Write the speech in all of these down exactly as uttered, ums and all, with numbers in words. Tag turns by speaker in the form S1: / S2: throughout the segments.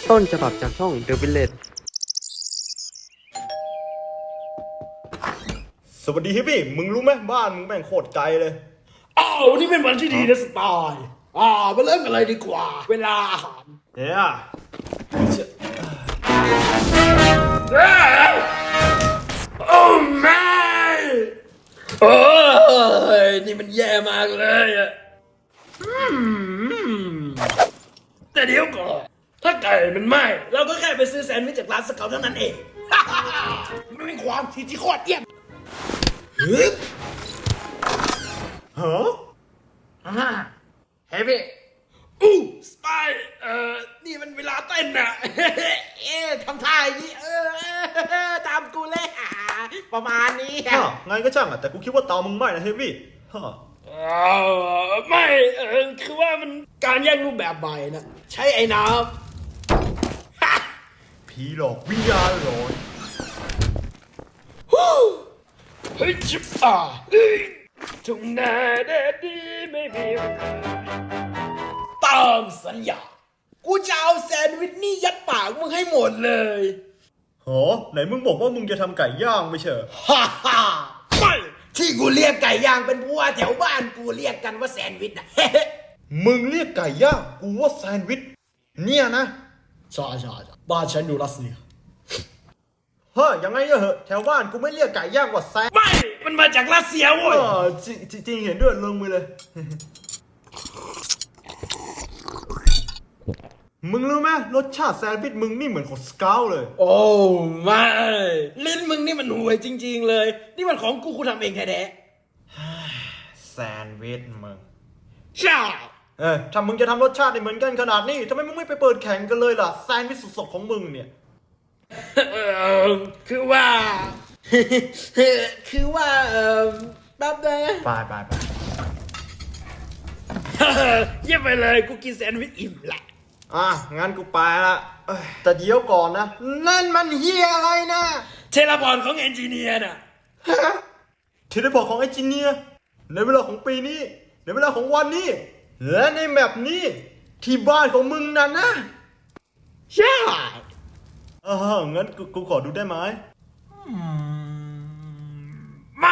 S1: ต้นฉบับจากช่อง The Village
S2: สวัสดีฮิปปี้มึงรู้ไหมบ้านมึงแม่งโคตรไกลเลย
S3: อ้าววันนี้เป็นวันที่ดีนะสไตล์อ่ามาเริ่มกันเลยดีกว่า เวลาอาหาร
S2: เนี่ย
S3: โอ้แม่โอ้ยนี่มันแย่มากเลยอะอืมแต่เดี๋ยวก่อนถ้าไก่มันไหม้เราก็แค่ไปซื้อแซนด์วิชจากร้านสเกลเท่านั้นเอง ไม่มีความที่ที่โคตรเยี่ยมฮึบ
S2: ฮะ
S3: อ่าเฮ้ยพี่อู้สไปเอ่อนี่มันเวลาเต้นน่ะ เอ๊ะทำท่าอย่างนี้เออตามกูเลยอ่ะประมาณนี้
S2: ฮะไงก็ช่างอ่ะแต่กูคิดว่าเตามึงไหม้นะฮิปปี้ฮะ
S3: เออไม่เออคือว่ามันการแย่งรูปแบบใหม่นะใช้ไอ้น้ำ ฮะ
S2: ผีหลอกวิญญาณหลอน
S3: ฮู้เฮ้ยจิบอ่ะเฮ้ยทุ่งนาแดดดีไม่มีปัญหาตามสัญญากูจะเอาแซนด์วิชนี่ยัดปากมึงให้หมดเลย
S2: โหไหนมึงบอกว่ามึงจะทำไก่ย่างไม่ใช่เหรอ
S3: ฮ่าฮ่าไม่ที่กูเรียกไก่ย่างเป็นเพราะว่าแถวบ้านกูเรียกกันว่าแซนด์วิชนะ
S2: มึงเรียกไก่ย่างกูว่าแซนด์วิชเนี่ยนะ
S3: ใช่ใช่ใช่บ้านฉันอยู่รัสเซีย
S2: เฮ้ยยังไงก็เหอะแถวบ้านกูไม่เรียกไก่ย่างว่าแซนด์
S3: ไม่ มันมาจากรัสเซีย
S2: เอ
S3: เว้ย
S2: อจริงจริงจริงเห็นด้วยลงมือเลย มึงรู้ไหมรสชาติแซนด์วิชมึงนี่เหมือนของสเกลเลย
S3: โอ้ไม่ลิ้นมึงนี่มันห่วยจริง ๆ เลย นี่มันของกูกูทำเองแท้
S2: แซนด์วิชมึง
S3: ๆใช่
S2: เออถ้ามึงจะทำรสชาติได้เหมือนกันขนาดนี้ทำไมมึงไม่ไปเปิดแข่งกันเลยล่ะแซนด์วิชสดๆของมึงเนี่ย
S3: เออคือว่า คือว่าเออแป๊บนึง
S2: ไปไปไป
S3: เยี่ยมไปเลยกูกินแซนด์วิชอิ่มละ
S2: อ่ะงั้นกูไปละเอ้ยแต่เดี๋ยวก่อนนะนั่นมันเฮียอะไรนะ
S3: เทเลพอร์ตของเอนจิเนียร์น่ะ
S2: ทีได้บอกของไอจิเนียร์ในเวลาของปีนี้ในเวลาของวันนี้ และในแมปนี้ที่บ้านของมึงนั่นนะ
S3: ใช่
S2: อ่างั้นกูกูขอดูได้ไหม
S3: ไม่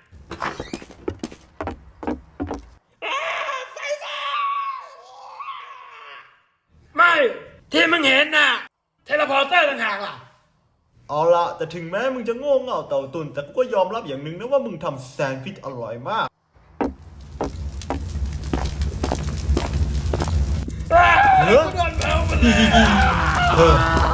S3: อ้าไฟฟ้าไม่ที่มึงเห็นน่ะเทเลพอร์เตอร์ต่างหากล่ะ
S2: เอาละแต่ถึงแม้มึงจะโง่เง่าเต่าตุนแต่กูก็ยอมรับอย่างหนึ่งนะว่ามึงทำแซนด์วิชอร่อยมาก
S3: อ้า
S2: เฮ้ย
S3: กูโดนแมวมันเลย
S2: เออ